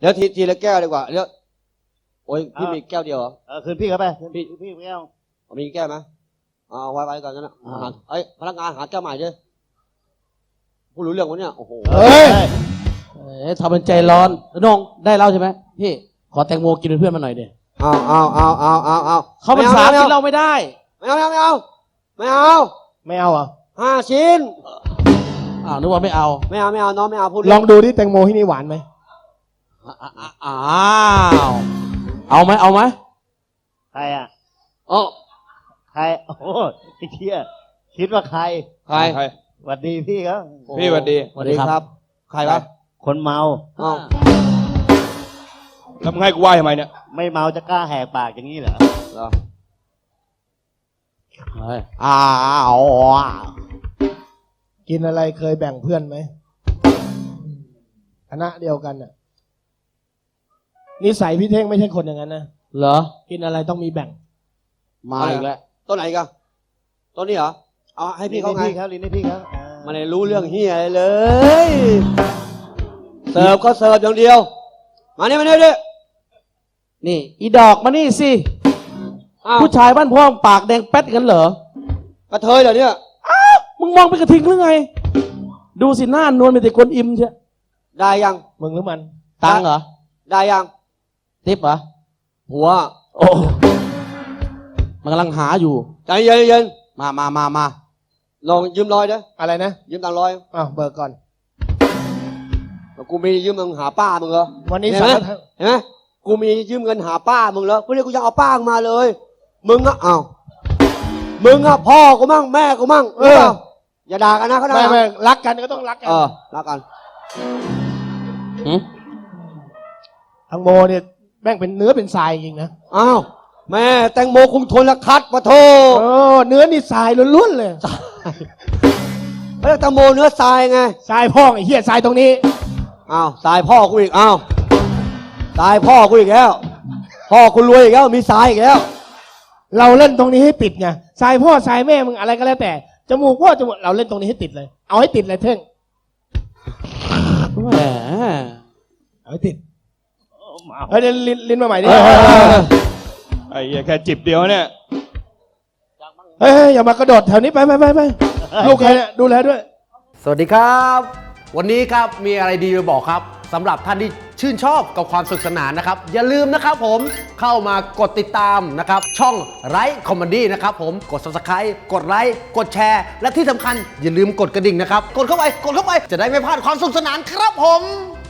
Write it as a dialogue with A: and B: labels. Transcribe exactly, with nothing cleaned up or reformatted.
A: เดี๋ยวทีทีละแก้วดีกว่าเดี๋ยวโอ้ยพี่มีแก้วเดียวเหรอ
B: เออคืนพี่เขาไป
A: พี่
B: พี่แก้ว
A: มีแก้วไหมเอาไว้ไว้ก่อนนะหาเอ้ยพนักงานหาแก้วใหม่ดิพูดรู้เรื่องวะเนี่ยโอ้โห
C: เฮ้ยเอ้ยทำเป็นใจร้อนน้องได้เล่าใช่ไหมพี่ขอแตงโมกินเป็นเพื่อนมาหน่อยเดีย
A: เอาเอาเอาเอาเอาเอา
C: เขาเป็นสาวกินเราไม่ได้
A: ไม่เอาไม่เอาไม่เอา
B: ไม่เอาเหรอ
A: ห้าชิ้น
C: อ้าวนึกว่าไม่เอา
A: ไม่เอาไม่เอาน้องไม่เอาพูด
D: ลองดูที่แตงโมที่นี่หวานไหม
C: อ้าวเอาไหมเอาไหม
B: ใครอ่ะ
A: อ๋อ
B: ใครโอ้โหไอ้เชี่ยคิดว่าใคร
A: ใคร
E: ใคร
B: หวัดดีพี่เขา
E: พี่สวัสดี
A: สวัสดีครับใครวะ
B: คนเมา
A: อ้าว
E: แล้วมึงให้กูไหว้ทำไมเนี่ย
B: ไม่เมาจะกล้าแหกปากอย่างนี้เหรอ
A: เหรอ
C: เฮ้ย
D: อ้าวกินอะไรเคยแบ่งเพื่อนไหมคณะเดียวกันน่ะนิสัยพี่เท่งไม่ใช่คนอย่างนั้นนะ
C: เหรอ
D: กินอะไรต้องมีแบ่ง
C: มาอีกแล้ว
A: ต้นไหนกันต้นนี้เหรอเอาให้พี่เขาไง
B: ลิ้นให้พี่เขาลิ้นให้พี่เขาอ่า
A: มันไม่รู้เรื่องเฮียอะไรเลย เสิร์ฟก็เสิร์ฟอย่างเดียว มานี่มานี่ดิ
C: นี่อีดอกมานี่สิ
A: อ้าว
C: ผู้ชายบ้านพ่อปากแดงแป๊ดกันเหรอก
A: ระเทยเหรอเนี่ย
C: มึงมองเป็นกระทิงหรือไง ดูสิหน้านวลเป็นแต่คนอิ่มเชีย
A: ได้ยัง
D: มึงหรือมัน
C: ตังค์เหรอ
A: ได้ยัง
C: ทิปเหรอ
A: หัว
C: โอ้มันกำลังหาอยู่
A: ใจเย็นเย็น
C: มามามามา
A: ลองยืมร้อยเด้อ
D: อะไรนะ
A: ยืมตังค์ร้อย
D: อ้าวเบิกก่อน
A: กูมียืมมึงหาป้ามึงเหรอ
D: วันนี้
A: เห็น
D: สา
A: ไหม
D: ร
A: เห็นไหมกูมียืมเงินหาป้ามึงเหรอพวกนี้กูยังเอาป้ามึงมาเลย มึงอะอ้าวมึงอะพ่อกูมั่งแม่กูมั่งเอออย่าด่ากันนะเขาด่า
D: ไม่ไม่รักกันก็ต้องรักกัน
A: เออรักกัน
C: หืม
D: ทางโมเนี่ยแม่งเป็นเนื้อเป็นทรายจริงนะ
A: อ้าวแม่แตงโมคุงทนละคัดปะโท
D: โอ้เนื้อนี่ทรายล้วนๆเลย
A: เฮ้ยแตงโมเนื้อทรายไง
D: ทรายพ่องไอ้เหี้ยทรายตรงนี้
A: อ้าวทรายพ่อกูอีกอ้าวทรายพ่อกูอีกแล้ว พ่อกูรวยอีกแล้วมีทรายอีกแล้ว
D: เราเล่นตรงนี้ให้ติดไงทรายพ่อทรายแม่มึงอะไรก็แล้วแต่จมูกพ่อจมูกเราเล่นตรงนี้ให้ติดเลย เอาให้ติดเลยเท่ง
C: แหม
D: เอาให้ติดเฮ้ยเดี๋ยวลิ้นลิ้นมาใหม่ดิ
E: ไอ้เหี้ยแค่จิบเดียวเนี่ย
D: เฮ้ยอย่ามากระโดดแถวนี้ไปไปไปไปลูกใครเนี่ยดูแลด้วย
F: สวัสดีครับ วันนี้ครับมีอะไรดีมาบอกครับสำหรับท่านที่ชื่นชอบกับความสนุกสนานนะครับ อย่าลืมนะครับผมเข้ามากดติดตามนะครับช่องไลฟ์คอมเมดี้นะครับผมกด ซับสไครบ์ กดไลค์กดแชร์ และที่สำคัญอย่าลืมกดกระดิ่งนะครับกดเข้าไปกดเข้าไปจะได้ไม่พลาดความสนุกสนานครับผม